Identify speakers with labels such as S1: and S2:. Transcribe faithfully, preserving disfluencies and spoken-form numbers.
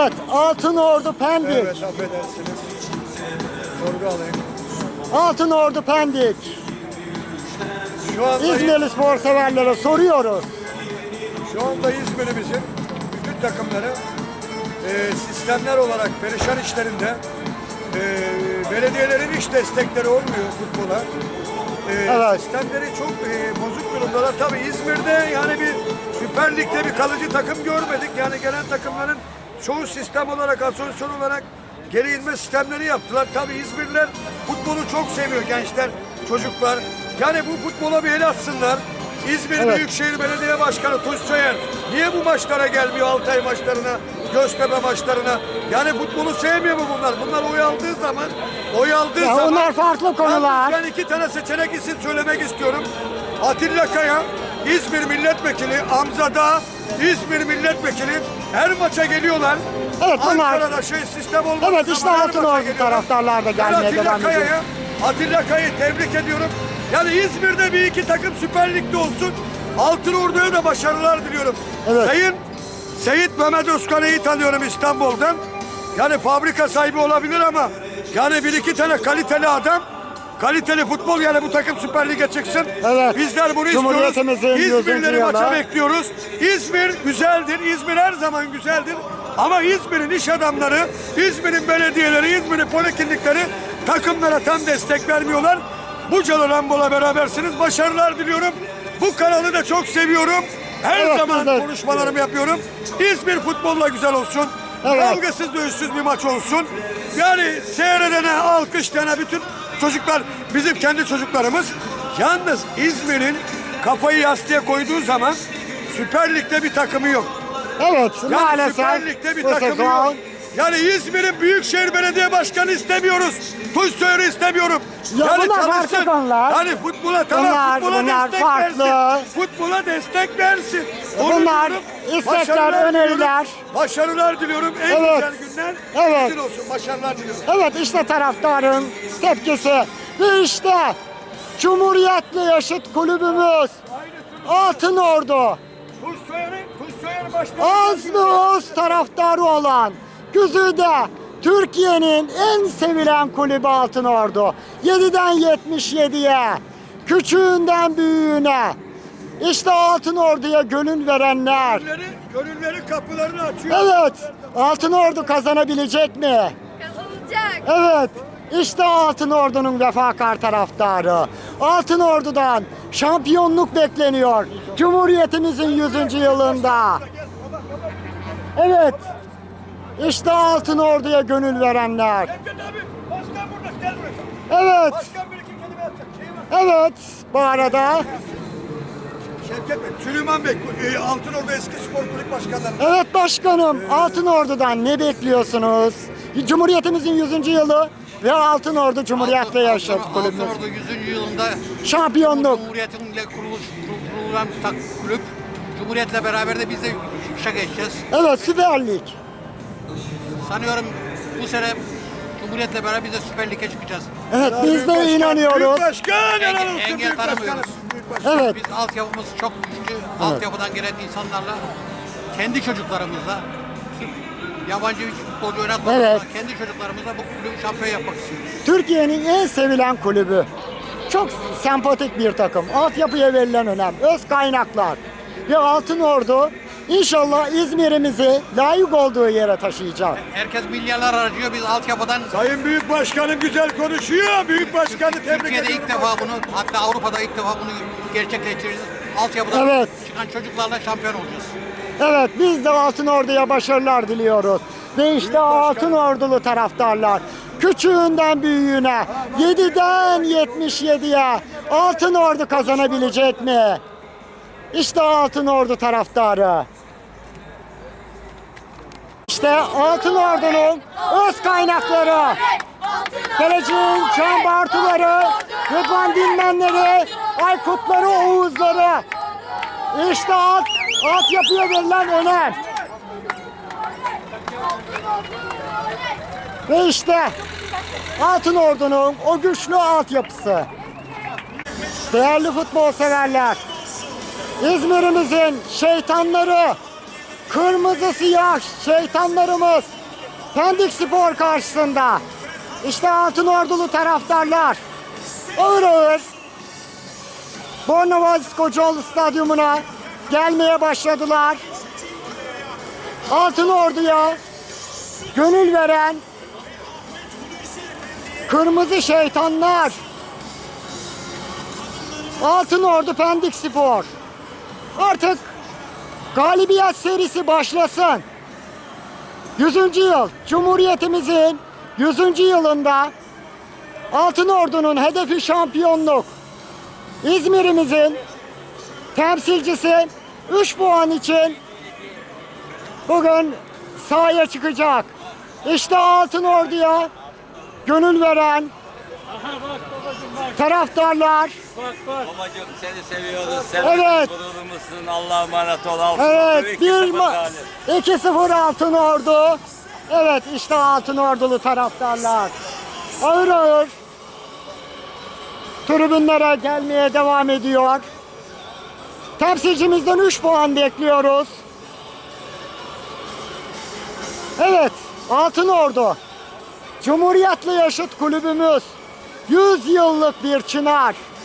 S1: Evet, Altınordu Pendik.
S2: Evet, affedersiniz. Sorgu alayım.
S1: Altınordu Pendik.
S2: Şu anda,
S1: İzmirli spor severlere soruyoruz.
S2: şu anda İzmir'imizin bütün takımları e, sistemler olarak perişan işlerinde, e, belediyelerin hiç destekleri olmuyor futbola. E,
S1: Evet.
S2: Sistemleri çok e, bozuk durumdalar. Tabii İzmir'de yani bir Süper Lig'de bir kalıcı takım görmedik. Yani gelen takımların çoğu sistem olarak, asosyon olarak geri inme sistemleri yaptılar. Tabii İzmirliler futbolu çok seviyor, gençler, çocuklar. Yani bu futbola bir el atsınlar. İzmir
S1: Evet.
S2: Büyükşehir Belediye Başkanı Tunç Soyer niye bu maçlara gelmiyor, Altay maçlarına, Göztepe maçlarına? Yani futbolu sevmiyor mu bunlar? Bunlar oy aldığı zaman, oy aldığı
S1: Ya
S2: zaman...
S1: onlar farklı konular.
S2: Ben iki tane seçenek isim söylemek istiyorum. Atilla Kaya, İzmir Milletvekili, Hamza Dağ, İzmir Milletvekili. Her maça geliyorlar.
S1: Evet, bunlar-
S2: Ankara'da şey sistem olmadığı
S1: Evet, işte
S2: zaman her maça
S1: Altınordu
S2: geliyorlar.
S1: taraftarlar da
S2: Ben
S1: gelmeye
S2: Atilla
S1: devam ediyor.
S2: Kaya'ya, Atilla Kaya'yı tebrik ediyorum. Yani İzmir'de bir iki takım Süper Lig'de olsun. Altınordu'ya da başarılar diliyorum.
S1: Evet.
S2: Sayın Seyit Mehmet Özkan'ı iyi tanıyorum İstanbul'dan. Yani fabrika sahibi olabilir ama yani bir iki tane kaliteli adam, kaliteli futbol, yani bu takım Süper Lig'e çıksın.
S1: Evet.
S2: Bizler bunu istiyoruz.
S1: Cumhuriyetimizin yüzüncü
S2: İzmirleri
S1: yılı.
S2: maça bekliyoruz. İzmir güzeldir. İzmir her zaman güzeldir. Ama İzmir'in iş adamları, İzmir'in belediyeleri, İzmir'in poliklinikleri takımlara tam destek vermiyorlar. Bucalı Rambo'la berabersiniz. Başarılar diliyorum. Bu kanalı da çok seviyorum. Her
S1: Evet,
S2: zaman
S1: güzel.
S2: konuşmalarımı yapıyorum. İzmir futbolla güzel olsun.
S1: Evet.
S2: Kavgasız dövüşsüz bir maç olsun. Yani seyredene, alkışlayana bütün çocuklar bizim kendi çocuklarımız. Yalnız İzmir'in kafayı yastığa koyduğu zaman Süper Lig'de bir takımı yok.
S1: Evet,
S2: Yani
S1: maalesef
S2: Süper Lig'de bir
S1: bu
S2: takımı
S1: sezon-
S2: yok. Yani İzmir'in Büyükşehir Belediye Başkanı istemiyoruz. Tunç Soyer'i istemiyorum.
S1: Ya
S2: yani
S1: bunlar farklı
S2: çalışsın.
S1: konular.
S2: Yani futbola tamam,
S1: Bunlar-
S2: futbola
S1: bunlar
S2: destek
S1: farklı.
S2: versin. Futbola destek versin. Onu
S1: Bunlar
S2: diyorum.
S1: istekler,
S2: Başarılar
S1: öneriler.
S2: diliyorum. Başarılar diliyorum. En
S1: Evet.
S2: güzel günler
S1: Evet.
S2: sizin olsun. Başarılar diliyorum.
S1: Evet, işte taraftarın tepkisi. Ve işte Cumhuriyet'le yaşıt kulübümüz Altınordu.
S2: Tunç Soyer'in, Tunç Soyer başkanı.
S1: Az mı öz taraftarı olan Güzide Türkiye'nin en sevilen kulübü Altınordu. yediden yetmiş yediye, küçüğünden büyüğüne. İşte Altınordu'ya gönül verenler.
S2: Gönülleri, gönülleri kapılarını açıyor.
S1: Evet, Altınordu kazanabilecek mi?
S3: Kazanacak.
S1: Evet, işte Altınordu'nun vefakar taraftarı. Altınordu'dan şampiyonluk bekleniyor. Cumhuriyetimizin yüzüncü yılında. Evet, işte Altınordu'ya gönül verenler.
S2: Şevket abi, başkan burada, gel buraya.
S1: Evet,
S2: Başkan bir iki kelime atacak. Şey var.
S1: evet. Bu arada,
S2: Şevket Bey, Süleyman Bey, e, Altınordu eski spor kulüp başkanları.
S1: evet başkanım, Altınordu'dan ne bekliyorsunuz? Cumhuriyetimizin yüzüncü yılı ve Altınordu Cumhuriyet'le yaşat kulübümüz.
S4: Altınordu yüzüncü yılında
S1: Şampiyonluk.
S4: Cumhuriyetinle kuruluş, kur- kurulan bir tak, kulüp. Cumhuriyetle beraber de biz de yükselişe geçeceğiz.
S1: Evet, Süper Lig.
S4: Sanıyorum bu sene Cumhuriyetle beraber biz de Süper Lig'e çıkacağız.
S1: Evet, biz
S2: Büyük
S1: de
S2: başkan,
S1: inanıyoruz.
S2: Büyük başkan, helal
S4: Engel-
S2: olsun
S4: engel
S2: büyük başkanım.
S4: tanımıyoruz.
S2: Büyük başkan.
S1: Evet.
S4: Biz altyapımız çok güçlü. Altyapıdan gelen insanlarla, kendi çocuklarımızla, Türk, yabancı bir futbolcu oynatmadan
S1: Evet.
S4: kendi çocuklarımızla bu kulübü şampiyon yapmak istiyoruz.
S1: Türkiye'nin en sevilen kulübü. Çok sempatik bir takım. Altyapıya verilen önem. Öz kaynaklar. Ve Altınordu inşallah İzmir'imizi layık olduğu yere taşıyacak.
S4: Herkes milyarlar harcıyor. Biz altyapıdan
S2: Sayın Büyük Başkanım güzel konuşuyor. Büyük Başkanı tebrik
S4: Türkiye'de
S2: ediyorum.
S4: ilk defa bunu, hatta Avrupa'da ilk defa bunu gerçekleştireceğiz. Altyapıdan
S1: Evet.
S4: çıkan çocuklarla şampiyon olacağız.
S1: Evet, biz de Altınordu'ya başarılar diliyoruz. Ve işte Altınordulu taraftarlar. Küçüğünden büyüğüne, yediden yetmiş yediye Altınordu kazanabilecek mi? İşte Altınordu taraftarı. İşte Altınordu'nun öz kaynakları. Geleceğin Can Bartuları, Rıdvan Dinmenleri, Aykutları, Oğuzları. İşte alt, altyapıya verilen önem. Ve işte Altınordu'nun o güçlü altyapısı. Değerli futbol severler, İzmir'imizin şeytanları, kırmızı siyah şeytanlarımız Pendik Spor karşısında. İşte Altınordulu taraftarlar ağır ağır Bornova Kocaeli Stadyumuna gelmeye başladılar. Altınordu'ya gönül veren kırmızı şeytanlar. Altınordu Pendik Spor. Artık galibiyet serisi başlasın. yüzüncü yıl, Cumhuriyetimizin yüzüncü yılında Altınordu'nun hedefi şampiyonluk. İzmir'imizin temsilcisi üç puan için bugün sahaya çıkacak. İşte Altınordu'ya gönül veren taraftarlar.
S3: Babacığım seni seviyoruz. Sen
S1: Evet.
S3: gururumuzsun. Allah'a emanet ol. Altın
S1: Evet, bir ma- iki sıfır Altınordu. Evet, işte Altınordulu taraftarlar. Ağır ağır tribünlere gelmeye devam ediyor. Temsilcimizden üç puan bekliyoruz. Evet, Altınordu. Cumhuriyet'le yaşıt kulübümüz. yüz yıllık bir çınar.